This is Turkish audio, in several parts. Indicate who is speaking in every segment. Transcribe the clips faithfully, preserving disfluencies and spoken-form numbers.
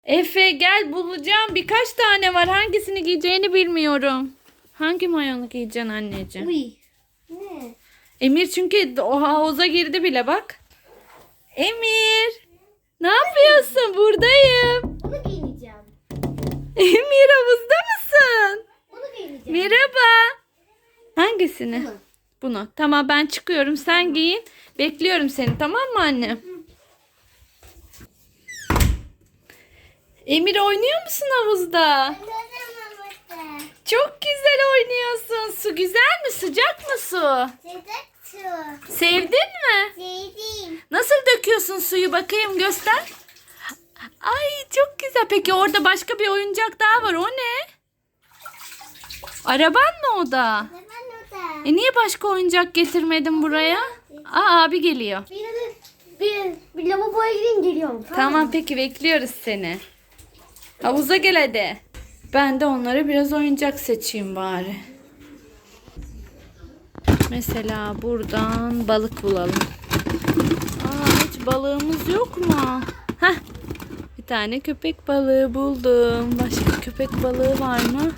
Speaker 1: Efe gel bulacağım. Birkaç tane var. Hangisini giyeceğini bilmiyorum. Hangi mayonu giyeceksin anneciğim?
Speaker 2: Uy. Ne?
Speaker 1: Emir çünkü o havuza girdi bile bak. Emir. Ne yapıyorsun? Buradayım.
Speaker 2: Bunu giyineceğim.
Speaker 1: Emir havuzda mısın?
Speaker 2: Bunu giyineceğim.
Speaker 1: Merhaba. Hangisini?
Speaker 2: Bunu.
Speaker 1: Bunu. Tamam ben çıkıyorum. Sen giyin. Bekliyorum seni, tamam mı anne? Emir oynuyor musun havuzda? Çok güzel oynuyorsun. Su güzel mi? Sıcak mı su?
Speaker 2: Sıcak su.
Speaker 1: Sevdin mi?
Speaker 2: Sevdim.
Speaker 1: Nasıl döküyorsun suyu, bakayım göster. Ay çok güzel. Peki orada başka bir oyuncak daha var. O ne? Araban mı o da?
Speaker 2: Ben orada.
Speaker 1: E niye başka oyuncak getirmedin buraya? Aa abi geliyor.
Speaker 2: Bir, bir, bir lavaboya gideyim geliyorum.
Speaker 1: Tamam peki bekliyoruz seni. Havuza gel hadi. Ben de onlara biraz oyuncak seçeyim bari. Mesela buradan balık bulalım. Aa hiç balığımız yok mu? Heh. Bir tane köpek balığı buldum. Başka köpek balığı var mı?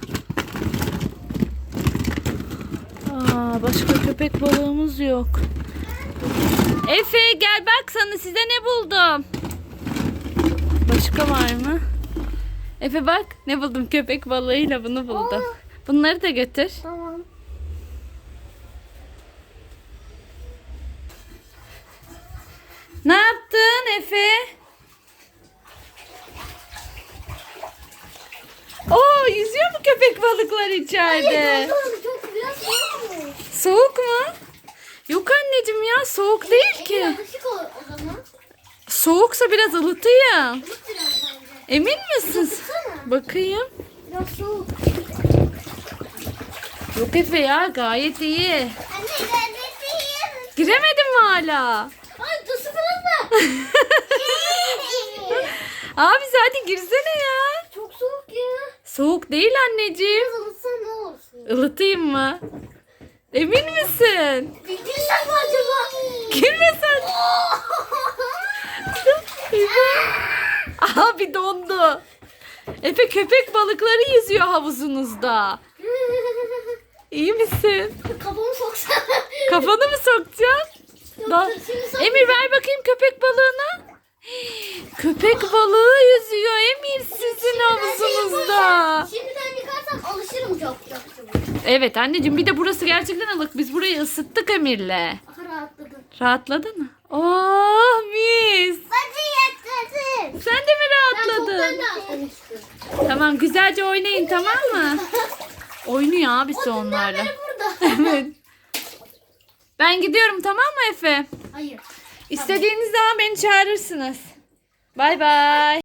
Speaker 1: Aa başka köpek balığımız yok. Efe gel bak sana size ne buldum. Başka var mı? Efe bak ne buldum, köpek balığıyla bunu buldum. Bunları da götür.
Speaker 2: Tamam.
Speaker 1: Ne yaptın Efe? Oo yüzüyor mu köpek balıklar içeride?
Speaker 2: Çok biraz soğuk mu?
Speaker 1: Soğuk mu? Yok anneciğim ya, soğuk değil ki.
Speaker 2: Yakışık o, o zaman.
Speaker 1: Soğuksa biraz ılıtayım.
Speaker 2: Tut biraz bence.
Speaker 1: Emin misin?
Speaker 2: Tutsana.
Speaker 1: Bakayım.
Speaker 2: Biraz soğuk.
Speaker 1: Yok Efe ya, gayet iyi.
Speaker 2: Anne ben de sıyım.
Speaker 1: Giremedin mi hala?
Speaker 2: Ay tusu falan mı?
Speaker 1: Abi hadi girsene ya.
Speaker 2: Çok soğuk ya.
Speaker 1: Soğuk değil anneciğim.
Speaker 2: Biraz ılıtsan ne olursun?
Speaker 1: Ilıtayım mı? Emin misin?
Speaker 2: Bildirsem mi acaba?
Speaker 1: Girme sen. Abi dondu. Efe köpek balıkları yüzüyor havuzunuzda. İyi misin?
Speaker 2: Kafamı soksana.
Speaker 1: Kafanı mı sokacaksın? Da-
Speaker 2: Dur, şimdi sok-
Speaker 1: Emir ver bakayım köpek balığını. Köpek balığı yüzüyor Emir sizin havuzunuzda.
Speaker 2: Şimdiden yıkarsam alışırım çok çok çabuk.
Speaker 1: Evet anneciğim, bir de burası gerçekten ılık. Biz burayı ısıttık Emir'le.
Speaker 2: Aha rahatladım.
Speaker 1: Rahatladın mı? Oh mis.
Speaker 2: Hadi yatladın.
Speaker 1: Sen de mi
Speaker 2: Ben
Speaker 1: rahatladın?
Speaker 2: çoktan rahatlamıştım.
Speaker 1: Tamam güzelce oynayın, tamam mı? Oynuyor abisi onlarla.
Speaker 2: Beni burada.
Speaker 1: Evet. Ben gidiyorum, tamam mı Efe?
Speaker 2: Hayır.
Speaker 1: İstediğiniz zaman beni çağırırsınız. Bay bay.